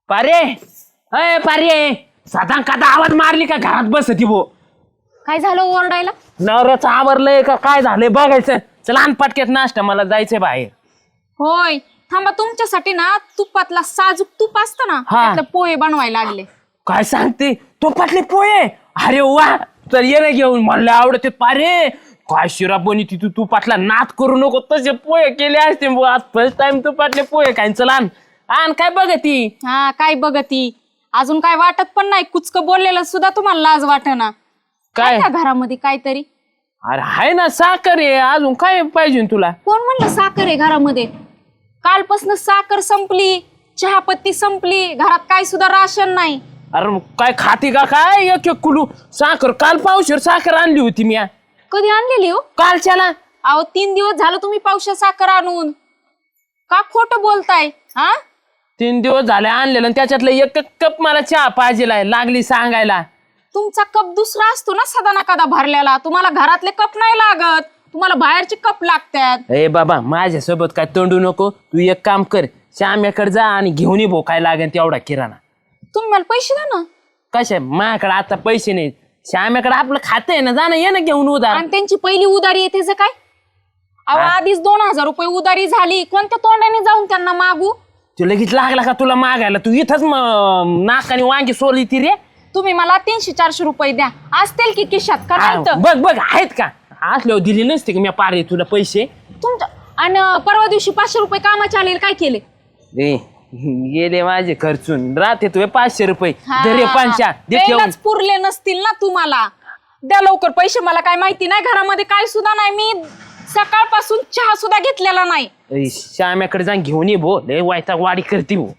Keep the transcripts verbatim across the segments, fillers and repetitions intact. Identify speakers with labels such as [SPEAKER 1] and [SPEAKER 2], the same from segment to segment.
[SPEAKER 1] पारे अय पारे साधा कादा आवाज मारली का घरात बसती भो.
[SPEAKER 2] काय झालं ओरडायला?
[SPEAKER 1] नवऱ्याचं आवरलंय का काय झालंय बघायचं. चला आण पटक्यात नाश्ता मला जायचंय बाहेर.
[SPEAKER 2] होय थांबा, तुमच्यासाठी ना तुपातला साजूक तूप असतं ना
[SPEAKER 1] हा.
[SPEAKER 2] त्यातलं पोहे बनवायला लागले.
[SPEAKER 1] काय सांगते तुपातले पोहे? अरे वा, तर ये ना घेऊन मला आवडते पारे. काय शिरा बनी तू तुपातला नाद करू नको, तसे पोहे केले असते. आज फर्स्ट टाइम तुपातले पोहे काय. चला आण आण. काय बघ ती
[SPEAKER 2] हा काय बघती, अजून काय वाटत पण नाही. कुचक बोललेलं सुद्धा तुम्हाला लाज वाटेना
[SPEAKER 1] काय?
[SPEAKER 2] काय घरामध्ये काहीतरी?
[SPEAKER 1] अरे हाय ना साखर आहे, अजून काय पाहिजे तुला?
[SPEAKER 2] कोण म्हणलं साखर आहे घरामध्ये? कालपासून साखर संपली, चहापत्ती संपली, घरात काय सुद्धा राशन नाही.
[SPEAKER 1] अरे मग काय खाती का काय? एक एक कुलू साखर काल पावशेर साखर आणली होती मी.
[SPEAKER 2] कधी आणलेली हो?
[SPEAKER 1] कालच्याला.
[SPEAKER 2] अहो तीन दिवस झालं तुम्ही पावशेर साखर आणून. का खोटं बोलताय? हा
[SPEAKER 1] तीन दिवस झाले आणलेलं आणि त्याच्यातलं एक कप मला चहा पाहिजे लागली सांगायला.
[SPEAKER 2] तुमचा कप दुसरा असतो ना सदा ना कदा भरलेला. तुम्हाला घरातले कप नाही लागत, तुम्हाला बाहेरचे कप लागतात.
[SPEAKER 1] ए बाबा माझ्यासोबत काय तोंडू नको. तू एक काम कर, श्याम्याकडे जा आणि घेऊन ये भो काय लागेल तेवढा किराणा.
[SPEAKER 2] तुम्ही मला पैसे द्या ना.
[SPEAKER 1] कशा माझ्याकडे आता पैसे नाहीत. श्याम्याकडे आपलं खातं आहे ना, जा ना, ये ना घेऊन उधार.
[SPEAKER 2] आणि त्यांची पहिली उधारी आहे त्याचं काय? अहो
[SPEAKER 1] हा.
[SPEAKER 2] आधीच दोन हजार रुपये उधारी झाली, कोणत्या तोंडाने जाऊन त्यांना मागू?
[SPEAKER 1] तू लगेच लागला का तुला मागायला? तू इथंच नाकाने वांगी सोली ती रे.
[SPEAKER 2] तुम्ही मला तीनशे चारशे रुपये द्या, असतील की खिशात का नाही तर?
[SPEAKER 1] बघ बघ आहेत का? असल्यावर दिली नसते का मी पारे तुला पैसे.
[SPEAKER 2] तुमच्या आणि परवा दिवशी पाचशे रुपये कामाचे आलेले काय केले?
[SPEAKER 1] ए गेले माझे खर्चून. राहते तुझे पाचशे रुपये
[SPEAKER 2] हा.
[SPEAKER 1] दे रे पाचशा दे ठेवून.
[SPEAKER 2] वेळच पुरले नसतील ना तुम्हाला. द्या लवकर पैसे, मला काय माहिती नाही. घरामध्ये काय सुद्धा नाही, मी सकाळपासून चहा सुद्धा घेतलेला नाही.
[SPEAKER 1] ए, श्याम्याकडे जाऊन घेऊन ये भो, लय वायता वाडी करते भो.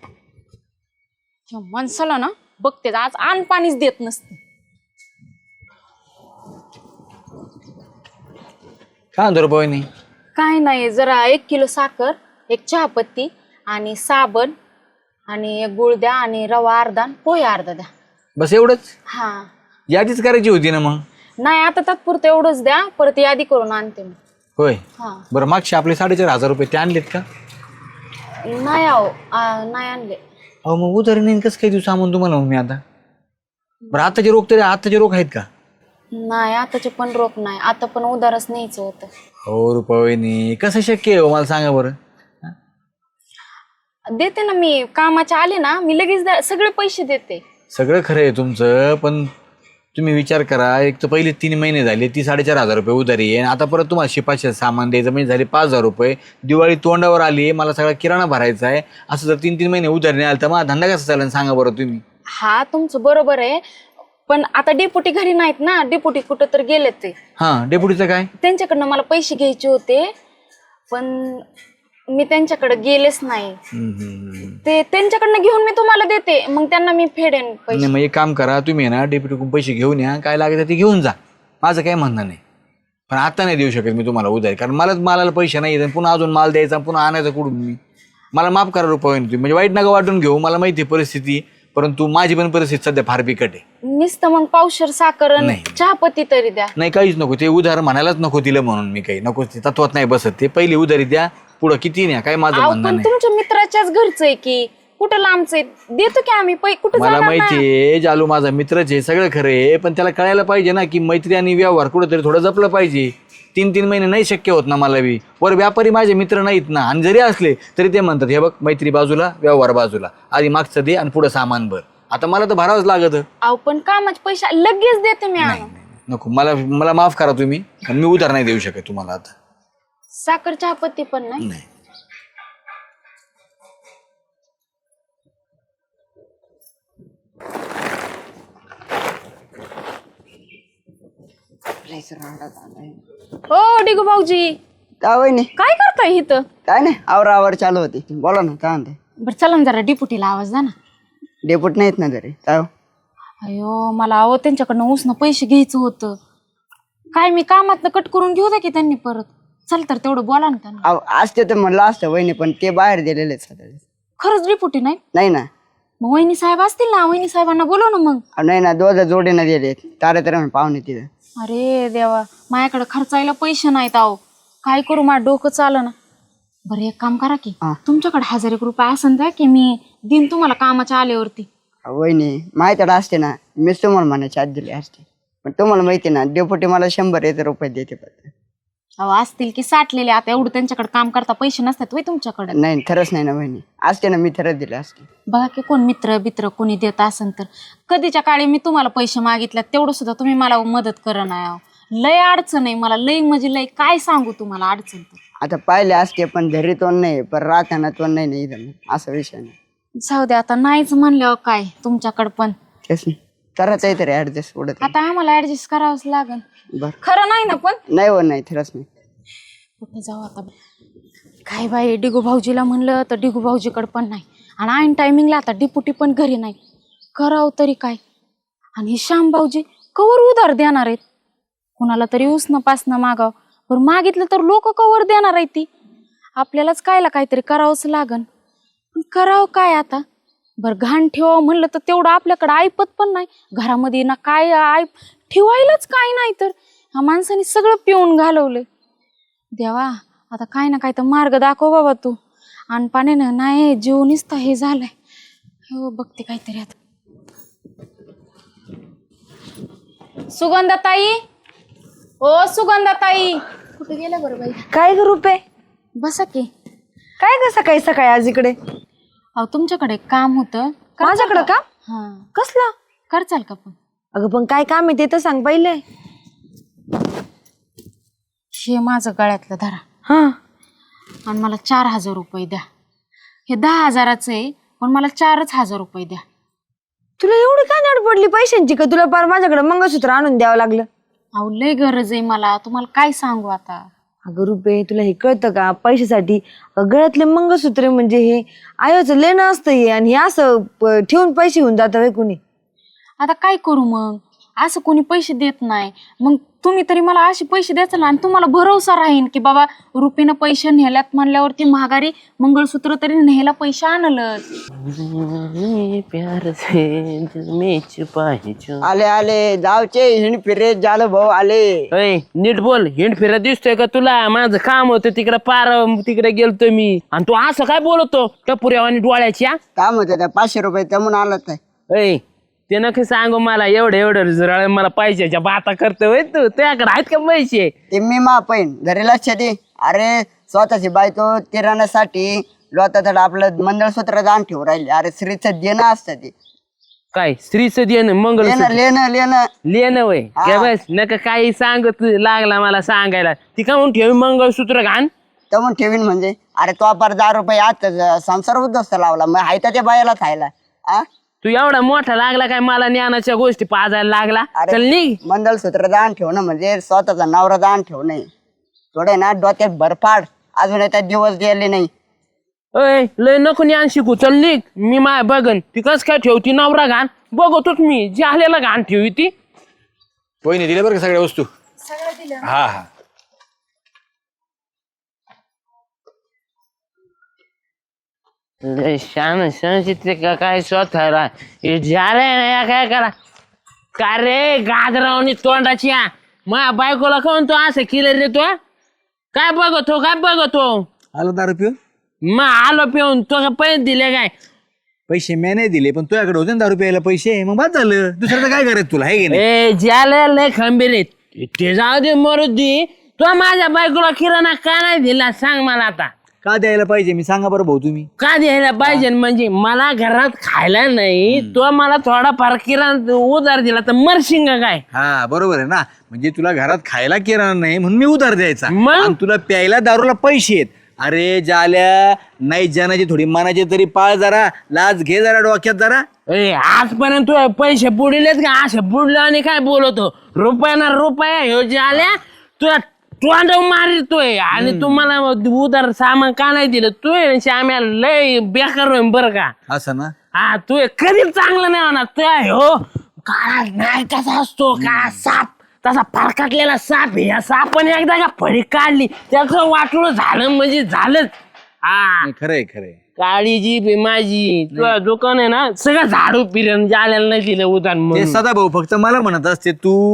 [SPEAKER 2] ह्या माणसाला ना बघते आज आण पाणीच देत नसते.
[SPEAKER 3] काय म्हणतो रे बहिणी?
[SPEAKER 2] काय नाही, जरा एक किलो साखर, एक चहापत्ती आणि साबण आणि एक गुळ द्या आणि रवा अर्धा आणि पोहे अर्धा द्या.
[SPEAKER 3] बस एवढंच?
[SPEAKER 2] हा
[SPEAKER 3] यादीच करायची होती ना मग.
[SPEAKER 2] नाही आता तात्पुरतं एवढंच द्या, परत यादी करून आणते मी.
[SPEAKER 3] होय.
[SPEAKER 2] हा
[SPEAKER 3] बरं मागचे आपले साडेचार हजार रुपये ते आणलेत का?
[SPEAKER 2] नाही आहो आ, नाही आणले.
[SPEAKER 3] अहो मग उधारी नाही कसं काही दिवस सामान तुम्हाला मग मी आता. बरं आताचे रोख तरी आताचे रोख आहेत का?
[SPEAKER 2] नाही आताचे पण रोख नाही, आता पण उधारच न्यायचं होतं.
[SPEAKER 3] हो रुपये कसं शक्य आहे हो मला सांगा बरं.
[SPEAKER 2] देते ना मी, कामाचे आले ना मी लगेच द्या- सगळे पैसे देते.
[SPEAKER 3] सगळं खरं आहे तुमचं, पण तुम्ही विचार करा, एक तर पहिले तीन महिने झाले ती साडेचार हजार रुपये उधारी आहे आणि आता परत तुम्हाला शिपाचे सामान द्यायचं म्हणजे झाले पाच हजार रुपये. दिवाळी तोंडावर आली, मला सगळा किराणा भरायचा आहे. असं जर तीन तीन महिने उधारी नाही आलं तर मला धंदा कसा चालेल सांगा बरं तुम्ही.
[SPEAKER 2] हा तुमचं बरोबर आहे, पण आता डेपुटी घरी नाहीत ना, डेपुटी कुठं तर गेलेत ते.
[SPEAKER 3] हां डेपुटीचं काय?
[SPEAKER 2] त्यांच्याकडनं मला पैसे घ्यायचे होते, पण मी त्यांच्याकडे गेलेच नाही. ते त्यांच्याकडनं घेऊन मी तुम्हाला देते, मग त्यांना मी फेडेन पैसे.
[SPEAKER 3] नाही मग एक काम करा, तुम्ही आहे ना डेप्युटीकडून पैसे घेऊन या, काय लागेल ते घेऊन जा, माझं काही म्हणणं नाही. पण आता नाही देऊ शकत मी तुम्हाला उधारी, कारण मलाच मालाला पैसे नाही आहेत, पुन्हा अजून माल द्यायचा, पुन्हा आणायचा कुठून मी. मला माफ करा रुपये तुम्ही, म्हणजे वाईट नका वाटून घेऊ, मला माहिती आहे परिस्थिती, परंतु माझी पण परिस्थिती सध्या फार बिकट आहे.
[SPEAKER 2] नुसतं मग पावशेर साखर आणि
[SPEAKER 3] नाही.
[SPEAKER 2] चहापत्ती तरी द्या.
[SPEAKER 3] नाही काहीच नको, ते उधार म्हणायलाच नको तिला म्हणून मी काही नको, ते तत्वात नाही बसत. ते पहिली उधारी द्या, पुढं किती नाही काय माझं
[SPEAKER 2] अहो,
[SPEAKER 3] म्हणणं
[SPEAKER 2] पण
[SPEAKER 3] नाही.
[SPEAKER 2] तुमच्या मित्राच्याच घरचं आहे की, कुठं लांबचं आहे, देतो की आम्ही पै कुठं
[SPEAKER 3] मला
[SPEAKER 2] जाणार
[SPEAKER 3] माहिती
[SPEAKER 2] नाही.
[SPEAKER 3] आहे जालू माझा मित्रच आहे, सगळं खरं आहे, पण त्याला कळायला पाहिजे ना की मैत्री आणि व्यवहार कुठेतरी थोडं जपलं पाहिजे. तीन तीन महिने नाही शक्य होत ना मला बी. वर व्यापारी माझे मित्र नाहीत ना, आणि जरी असले तरी ते म्हणतात हे बघ मैत्री बाजूला व्यवहार बाजूला, आधी मागचं दे आणि पुढं सामान भर. आता मला तर भरावंच लागत.
[SPEAKER 2] अहो पण कामाचे पैसे लगेच देते मी
[SPEAKER 3] नाही
[SPEAKER 2] आणून.
[SPEAKER 3] नाही, नको, मला मला माफ करा तुम्ही, आणि मी उधार नाही देऊ शकत तुम्हाला आता.
[SPEAKER 2] साखर चहापत्ती पण नाही.
[SPEAKER 3] नाही
[SPEAKER 2] हो डिगू भाऊजी,
[SPEAKER 4] काय वहिनी?
[SPEAKER 2] काय करताय इथं?
[SPEAKER 4] काय नाही, आवर आवर चालू होती. बोला ना काय म्हणते?
[SPEAKER 2] बरं चला ना जरा डिपुटीला आवाज द्या ना.
[SPEAKER 4] डेपुट नाहीत ना घरी. काय हो?
[SPEAKER 2] अयो मला अहो त्यांच्याकडनं उसनं पैसे घ्यायचं होतं. काय मी कामातनं कट करून घेऊ द्या की त्यांनी परत. चल तर तेवढं बोला ना त्यांना.
[SPEAKER 4] अहो, असते तर म्हणलं असतं वहिनी, पण ते बाहेर गेलेले आहेत सध्या.
[SPEAKER 2] खरंच डिपुटी नाही?
[SPEAKER 4] नाही ना.
[SPEAKER 2] मग वहिनी साहेब असतील ना, वहिनी साहेबांना बोलव ना मग.
[SPEAKER 4] अहो, नाही ना, दोघं जोडीनं गेले तारे तारे पाहुणे तिथं.
[SPEAKER 2] अरे देवा, माझ्याकडे खर्चायला पैसे नाहीत अहो. काय करू, माझं डोकं चालं ना. बरं एक काम करा की
[SPEAKER 4] हा.
[SPEAKER 2] तुमच्याकडे हजार एक रुपये असन द्या की मी दिन तुम्हाला कामाच्या आल्यावरती.
[SPEAKER 4] वहिनी माझ्याकडे असते ना मीच तुम्हाला म्हणायची आज दिली असते, पण तुम्हाला माहिती ना डेपुटी मला शंभर एक रुपये देते फक्त.
[SPEAKER 2] अहो असतील की साठलेले, आता एवढं त्यांच्याकडे काम करता पैसे नसतात वय तुमच्याकडे.
[SPEAKER 4] नाही खरंच नाही ना वहिनी, असते ना मी खरंच दिले असते.
[SPEAKER 2] बघा की कोण मित्र बित्र कोणी देत असन तर. कधीच्या काळी मी तुम्हाला पैसे मागितले तेवढं सुद्धा तुम्ही मला मदत करा नाही. लय अडचण आहे मला, लय म्हणजे लय काय सांगू तुम्हाला अडचण. तर
[SPEAKER 4] आता पाहिले असते पण घरी तोंड नाही, पण राहताना तोंड नाही नाही इथं, असा विषय नाही.
[SPEAKER 2] जाऊ दे आता, नाहीच म्हणल्यावर काय तुमच्याकडं पण.
[SPEAKER 4] तेच नाही करायचं आहे तरी ऍडजस्ट उडत.
[SPEAKER 2] आता आम्हाला ऍडजस्ट करावंच लागेल.
[SPEAKER 4] बर
[SPEAKER 2] खरं नाही ना पण.
[SPEAKER 4] नाही हो नाही खरंच नाही.
[SPEAKER 2] कुठे जाऊ आता काय बाई, डिगू भाऊजीला म्हणलं तर डिगू भाऊजीकडे पण नाही, आणि ऐन टायमिंगला आता डिपुटी पण घरी नाही. करावं तरी काय. आणि हे श्याम भाऊजी कवर उधार देणार आहेत, कुणाला तरी उसनं पासनं मागाव. बरं मागितलं तर लोक कवर देणार आहेत ती. आपल्यालाच कायला काहीतरी करावंच लागन. पण करावं काय आता. बरं घाण ठेवावं म्हणलं तर तेवढं आपल्याकडं ऐपत पण नाही घरामध्ये ना, काय ऐप ठेवायलाच काय नाही. तर ह्या माणसाने सगळं पिऊन घालवलंय. देवा आता काय ना काय तर मार्ग दाखव बाबा तू. आणि पाण्यानं नाही जीव निसता हे झालंय. हो बघते काहीतरी आता. सुगंधाताई, ओ सुगंधाताई, कुठे गेल्या बरं बाई?
[SPEAKER 5] काय ग रुपे?
[SPEAKER 2] बसा की.
[SPEAKER 5] काय ग सकाळी सकाळी आज इकडे?
[SPEAKER 2] अहो तुमच्याकडे काम होतं.
[SPEAKER 5] माझ्याकडं काम?
[SPEAKER 2] हा
[SPEAKER 5] कसलं?
[SPEAKER 2] करचाल का पण?
[SPEAKER 5] अगं पण काय काम आहे ते तर सांग पहिले.
[SPEAKER 2] हे माझं गळ्यातलं धरा
[SPEAKER 5] हा,
[SPEAKER 2] आणि मला चार हजार रुपये द्या. हे दहा हजाराचं आहे पण मला चारच हजार रुपये द्या.
[SPEAKER 5] तुला एवढी काय नाड पडली पैशांची का तुला पार माझ्याकडे मंगळसूत्र आणून द्यावं लागलं?
[SPEAKER 2] अहो लय गरज आहे मला, तुम्हाला काय सांगू आता.
[SPEAKER 5] अगं रुपे तुला हे कळतं का? पैशासाठी गळ्यातले मंगळसूत्र म्हणजे हे आयोचं लेणं असतं हे, आणि हे असं प- ठेवून पैसे होऊन जातं व्हय कुणी?
[SPEAKER 2] आता काय करू मग, असं कोणी पैसे देत नाही. मग तुम्ही तरी मला असे पैसे द्यायचं ना, आणि तुम्हाला भरोसा राहीन की बाबा रुपीनं पैसे नेल्यात म्हणल्यावरती महागारी मंगळसूत्र तरी न्यायला पैसे आणलंच.
[SPEAKER 1] प्यार से मी पाहिजे.
[SPEAKER 4] आले आले जावचे हिंड फिरे झालं भाऊ आले.
[SPEAKER 1] अय नीट बोल, हिंड फिरत दिसतोय का तुला? माझं काम होतं तिकडे, पार तिकडे गेलतो मी, आणि तू असं काय बोलतो टपुऱ्या आणि डोळ्याच्या?
[SPEAKER 4] काम होतं त्या पाचशे रुपये जमून आलं तर.
[SPEAKER 1] अय ते नक्की सांगू मला, एवढं एवढं जरा मला पैशाच्या बाता करतोय तू. तुझ्याकडे आहेत का पैसे?
[SPEAKER 4] ते मी मा पैन घरी लक्ष दे. अरे स्वतःची बायको किराण्यासाठी लोटातड आपलं मंगळसूत्र दान ठेवून राहिले. अरे स्त्रीचं देणं असतं ते.
[SPEAKER 1] काय स्त्रीचं देणं मंगळ
[SPEAKER 4] लेणं लेणं लेणं
[SPEAKER 1] लेणं वय काय बस नका काही सांगत लागला मला सांगायला. ती का म्हणून ठेवी मंगळसूत्र घाण
[SPEAKER 4] तमून ठेवीन म्हणजे. अरे तो पर दहा रुपये आज संसार उद्ध्वस्त लावला, मग हायता त्या बायाला खायला. आ
[SPEAKER 1] तू एवढा मोठा लागला काय मला ज्ञानाच्या गोष्टी पाजायला लागला?
[SPEAKER 4] अरे
[SPEAKER 1] चल निघ.
[SPEAKER 4] मंगळसूत्र दान ठेवणं म्हणजे स्वतःचा नवरा दान ठेवणं. थोडे ना डोक्यात भरपाड, अजून त्या दिवस गेले नाही.
[SPEAKER 1] अय लय नको ज्ञान शिकू, चल निघ. मी माय बघन ती कस काय ठेवती नवरा घाण बघतोच मी. जे आलेला घाण ठेवी ती.
[SPEAKER 3] वहिनी दिल्या बरं का सगळ्या वस्तू? हा हा.
[SPEAKER 1] शान संचित का काय स्वतःला झालंय ना काय करा का रे गाजरावणी तोंडाची. मा बायकोला कोण तो असं केलं रे? तो काय बघतो काय बघतो?
[SPEAKER 3] आलो दारू पिऊन?
[SPEAKER 1] मग आलो पिऊन. तो का पैसे दिले काय?
[SPEAKER 3] पैसे मी नाही दिले, पण तुझ्याकडे होते ना दारू प्यायला पैसे, मग बाद झालं. दुसऱ्याचं काय करायचं तुला, आहे की नाही?
[SPEAKER 1] ए ज्याला लय खंबीर आहेत ते जाऊ दे मरू दे. तो माझ्या बायकोला किराणा का नाही दिला सांग मला आता?
[SPEAKER 3] का द्यायला पाहिजे मी सांगा बरं भाऊ तुम्ही.
[SPEAKER 1] का द्यायला पाहिजे म्हणजे मला घरात खायला नाही, तो मला थोडा फार किराणा उधार दिला तर मरशिंग काय?
[SPEAKER 3] हा बरोबर आहे ना, म्हणजे तुला घरात खायला किराणा नाही म्हणून मी उधार द्यायचा,
[SPEAKER 1] मग?
[SPEAKER 3] आणि तुला प्यायला दारूला पैसे आहेत. अरे जाल्या नाही जाण्याची थोडी मानाची तरी पाळ जरा, लाज घे जरा डोक्यात जरा.
[SPEAKER 1] ए आजपर्यंत तू पैसे बुडिलेत का? असे बुडलो आणि काय बोलतो? रुपया रुपया ह्यो जे आल्या तुला तोंड मारतोय, आणि तुम्हाला उधार सामान का नाही दिलं? तू श्याम्या लय बेकार होईन बरं का.
[SPEAKER 3] असं ना?
[SPEAKER 1] हा तू कधीच चांगलं नाही होणार. तू हो काळा नाही कसा असतो का साप, तसा फरकटलेला साप आहे. या सापाने एकदा का फडी काढली त्याचं वाटलं झालं म्हणजे झालंच. हा
[SPEAKER 3] नाही, खरंय खरंय.
[SPEAKER 1] काळी जीभ आहे माझी. तुझं दुकान आहे ना सगळं झाडू पिरण जाल्याला नाही दिलं उधार
[SPEAKER 3] ते
[SPEAKER 1] म्हणून.
[SPEAKER 3] सदा भाऊ फक्त मला म्हणत असते तू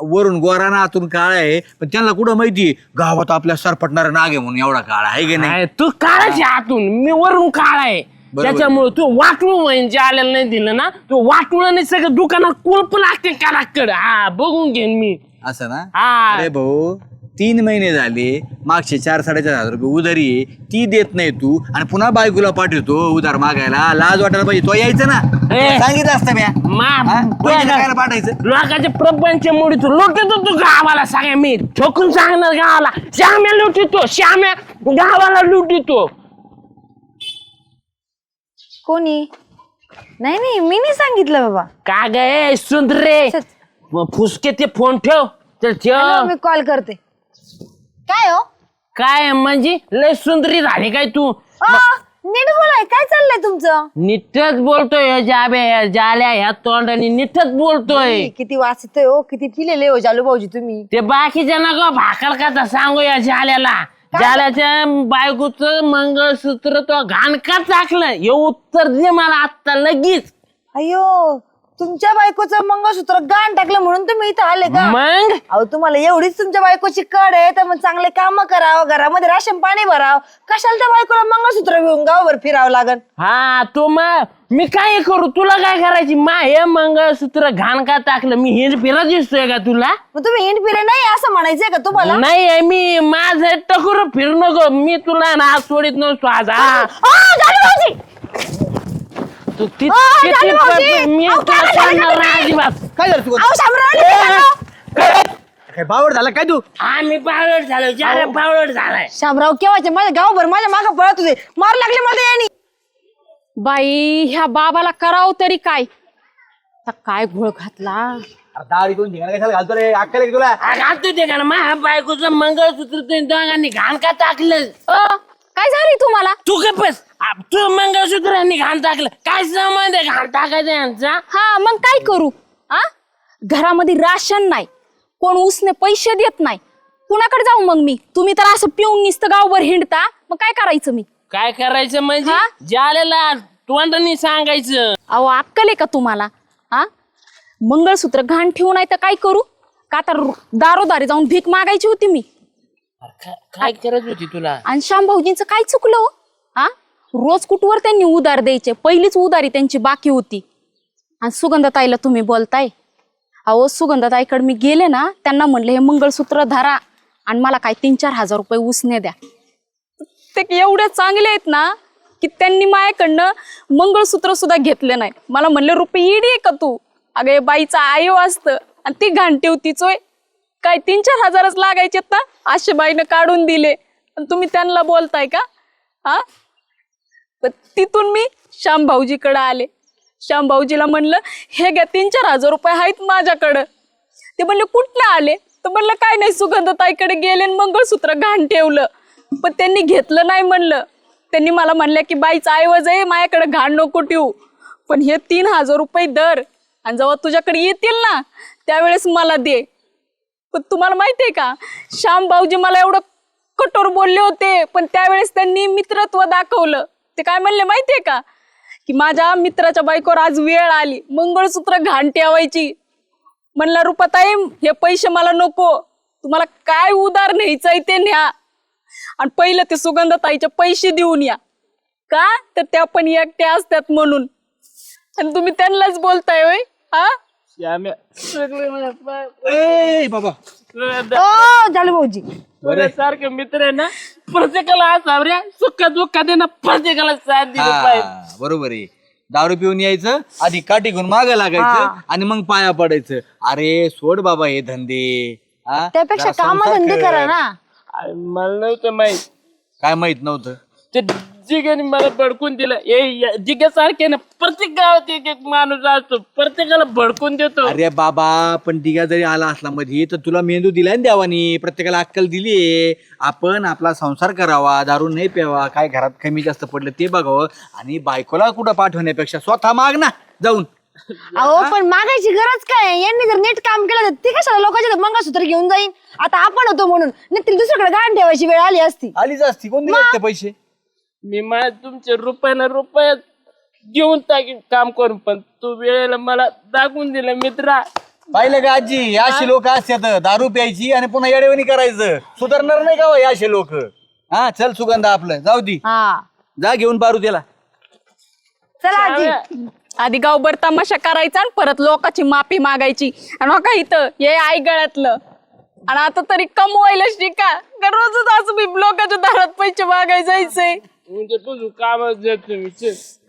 [SPEAKER 3] वरून गोराना आतून काळा आहे, पण त्यांना कुठं माहिती गावात आपल्या सरपटणारा नाग आहे म्हणून एवढा काळा आहे की नाही.
[SPEAKER 1] नाही, तू काळाची आतून, मी वरून काळ आहे. त्याच्यामुळे तू वाटूळ म्हणजे जे आलेलं नाही दिलं ना, तू वाटूळ नाही सगळं दुकानात कुलप लागते कानाकडे. हा बघून घेईन मी.
[SPEAKER 3] असं ना.
[SPEAKER 1] हा.
[SPEAKER 3] अरे भाऊ तीन महिने झाले, मागचे चार साडेचार हजार रुपये उधारी आहे, ती देत नाही तू, आणि पुन्हा बायकोला पाठवतो उधार मागायला. लाज वाटायला पाहिजे. तो यायचं ना,
[SPEAKER 1] ए.
[SPEAKER 3] सांगितलं असतं म्या.
[SPEAKER 1] मा-
[SPEAKER 3] हा? बहिणीला खायला पाठायचं.
[SPEAKER 1] लोकांचे प्रपंच मोडी तू लुटतो, तू गावाला सांगा. मी ठोकून सांगणार गावाला, श्याम्या लुटितो, श्याम्या गावाला लुटितो.
[SPEAKER 5] कोणी? नाही नाही मी नाही सांगितलं बाबा.
[SPEAKER 1] का गे सुंदरे, फुसके ते फोन ठेव. चल
[SPEAKER 5] हॅलो,
[SPEAKER 1] ठेव.
[SPEAKER 5] मी कॉल करते. काय हो
[SPEAKER 1] काय म्हणजे लय सुंदरी झाली काय तू?
[SPEAKER 5] अ, नीट बोलाय, काय चाललंय तुमचं?
[SPEAKER 1] नीटच बोलतोय जाब्या जाल्या ह्या तोंडाने नीटच बोलतोय.
[SPEAKER 5] किती वाचतोय हो, किती पिलेले हो जालू भाऊजी तुम्ही.
[SPEAKER 1] ते बाकीच्या नका भाकल कथा सांगू या जाल्याला. जाल्याच्या बायकोचं मंगळसूत्र तो घाणकाच टाकलं. हे उत्तर दे मला आत्ता लगेच.
[SPEAKER 5] अयो, तुमच्या बायकोचं मंगळसूत्र गाण टाकलं म्हणून तुम्ही इथं आले का?
[SPEAKER 1] मग
[SPEAKER 5] अहो तुम्हाला एवढीच तुमच्या बायकोची कड आहे तर मग चांगले काम करावं, घरामध्ये राशन पाणी भरावं. कशाला त्या बायकोला मंगळसूत्र घेऊन गावभर फिरावं लागल?
[SPEAKER 1] हा तू मग मी काय करू, तुला काय करायची? मा हे मंगळसूत्र घाण का टाकलं? मी हे फिरत दिसतोय का तुला?
[SPEAKER 5] मग तुम्ही हिंड फिरे नाही असं म्हणायचंय का तुम्हाला?
[SPEAKER 1] नाही, मी माझं टकुर फिरू नको. मी तुला ना आज सोडित नसतो आज. हा
[SPEAKER 5] अ, जालू भाऊजी!
[SPEAKER 1] तू ती-
[SPEAKER 5] अ,
[SPEAKER 1] ती-
[SPEAKER 5] जालू
[SPEAKER 1] ती-
[SPEAKER 5] भाऊजी!
[SPEAKER 1] मी
[SPEAKER 5] अहो,
[SPEAKER 1] तुला
[SPEAKER 5] काय झालं
[SPEAKER 1] सांगणार नाही
[SPEAKER 5] तुम्ही?
[SPEAKER 1] अजिबात.
[SPEAKER 3] काय झालं तू?
[SPEAKER 5] अहो, शामराव!
[SPEAKER 3] काय बावड झाला काय तू?
[SPEAKER 1] हा मी बावळट झालो, जाल्या बावळट झालाय.
[SPEAKER 5] शामराव केव्हाचे माझ्या गावभर माझ्या मागं पळत होते, मार लागले मला यांनी.
[SPEAKER 2] बाई ह्या बाबाला करावं तरी काय? आता काय घोळ घातला.
[SPEAKER 3] दाढी दोन ठिकाणी कशाला घालतो रे? अक्कल आहे का तुला?
[SPEAKER 1] घालतो ते का माझ्या बायकोचं मंगळसूत्र ते दोघांनी घाण का टाकलं?
[SPEAKER 2] अ, काय झाली तुम्हाला?
[SPEAKER 1] तू काय बस, आ, तू मंगळसूत्रांनी घाण टाकलं. काय संबंध आहे घाण टाकायचा यांचा?
[SPEAKER 2] हा मग काय करू? आ घरामध्ये राशन नाही, कोण उसने पैसे देत नाही, कुणाकडे जाऊ मग मी? तुम्ही तर असं पिऊन निसतं गावभर हिंडता, मग काय करायचं मी?
[SPEAKER 1] काय करायचं म्हणजे?
[SPEAKER 2] हा?
[SPEAKER 1] ज्याला तोंडाने सांगायचं.
[SPEAKER 2] अहो अक्कल आहे का तुम्हाला? हा मंगळसूत्र घाण ठेवू नाही तर काय करू? का तर दारोदारी जाऊन भीक मागायची होती मी.
[SPEAKER 1] काय काय करत होती तुला?
[SPEAKER 2] आणि श्याम भाऊजींचं काय चुकलं हो? हा रोज कुठवर त्यांनी उधार द्यायचे, पहिलीच उधारी त्यांची बाकी होती. आणि सुगंधताईला तुम्ही बोलताय. अहो सुगंधताईकडे मी गेले ना, त्यांना म्हणले हे मंगळसूत्र धरा आणि मला काय तीन चार हजार रुपये उसने द्या. ते एवढे चांगले आहेत ना की त्यांनी माझ्याकडनं मंगळसूत्र सुद्धा घेतले नाही. मला म्हणले रुपये इडी आहे का तू? अगं हे बाईचं आयो असतं आणि ती घाण ठेवतीच होय. काय तीन चार हजारच लागायचेत ना, अशे बाईनं काढून दिले आणि तुम्ही त्यांना बोलताय का? हा पण तिथून मी श्याम भाऊजीकडे आले. श्याम भाऊजीला म्हणलं हे घ्या तीन चार हजार रुपये आहेत माझ्याकडं. ते म्हणले कुठनं आले? तर म्हणलं काय नाही, सुगंधताईकडे गेले आणि मंगळसूत्र घाण ठेवलं. पण त्यांनी घेतलं नाही म्हणलं. त्यांनी मला म्हणलं की बाईचा ऐवज आहे, माझ्याकडे घाण नको ठेवू, पण हे तीन हजार रुपये दर आणि जेव्हा तुझ्याकडे येतील ना त्यावेळेस मला दे. पण तुम्हाला माहितीये का, श्याम भाऊजी मला एवढं कठोर बोलले होते, पण त्यावेळेस त्यांनी मित्रत्व दाखवलं. ते काय म्हणले माहितीये का, की माझ्या मित्राच्या बायकोवर आज वेळ आली मंगळसूत्र घाण ठेवायची. म्हणलं रुपाताई हे पैसे मला नको, तुम्हाला काय उधार न्यायचंय ते न्या आणि पहिलं ते सुगंधताईचे पैसे देऊन या. का तर त्या पण एकट्या असतात म्हणून. आणि तुम्ही त्यांनाच बोलताय होय? हा
[SPEAKER 1] श्याम्या, सगळे मला पा-
[SPEAKER 3] ए बाबा
[SPEAKER 5] ओ जालू भाऊजी,
[SPEAKER 1] सारखे मित्र आहे ना, प्रत्येकाला असावऱ्या सुख दुःखात आहे ना, प्रत्येकाला साथ दिली पाहिजे.
[SPEAKER 3] हा, बरोबर आहे. दारू पिऊन यायचं, आधी काठी घेऊन मागं लागायचं आणि मग पाया पडायचं. अरे सोड बाबा हे धंदे. हा?
[SPEAKER 5] त्यापेक्षा
[SPEAKER 3] जरा
[SPEAKER 5] काम
[SPEAKER 3] संसार
[SPEAKER 5] धंदे
[SPEAKER 3] कर.
[SPEAKER 5] करा ना.
[SPEAKER 1] अरे, मला नव्हतं माहित.
[SPEAKER 3] काय माहित नव्हतं?
[SPEAKER 1] ते जिग्याने मला भडकून दिलं. ए जिग्यासारखे ना प्रत्येक गावात एक एक माणूस असतो, प्रत्येकाला भडकून देतो.
[SPEAKER 3] अरे बाबा, पण दिघा जरी आला असला मध्ये तर तुला मेंदू दिलाय ना देवानी, प्रत्येकाला अक्कल दिलीये. आपण आपला संसार करावा, दारू नाही प्यावा, काय घरात कमी जास्त पडलं ते बघावं आणि बायकोला कुठं पाठवण्यापेक्षा स्वतः माग ना जाऊन.
[SPEAKER 5] अहो पण मागायची गरज काय? यांनी जर नीट काम केलं तर ते कशाला लोकांच्या मंगळसूत्र घेऊन जाईन? आता आपण होतो म्हणून, नाही तरी दुसरीकडे गाण ठेवायची वेळ आली असती.
[SPEAKER 3] आलीच असती, कोण दिले असते पैसे?
[SPEAKER 1] मी मा तुमचे रुपयाला रुपयात घेऊन टाकीन काम करून, पण तू वेळेला मला दाखवून दिलं मित्रा,
[SPEAKER 3] पाहिलं का आजी अशी लोक असतात दारू प्यायची आणि पुन्हा येडेवणी करायचं सुधारणार नाही का हो हे असे लोक. हा चल सुगंधा आपलं जाऊ दी
[SPEAKER 5] हा
[SPEAKER 3] जा घेऊन पारू त्याला.
[SPEAKER 5] चला आजी.
[SPEAKER 2] आधी गावभर तमाशा करायचा आणि परत लोकांची माफी मागायची आणि का इथं हे आई गळ्यातलं आणि आता तरी कमवायला शिका का रोजच असं मी लोकांच्या दारात पैसे मागायला जायचंय
[SPEAKER 1] म्हणजे तुझं कामच देतो मी चल.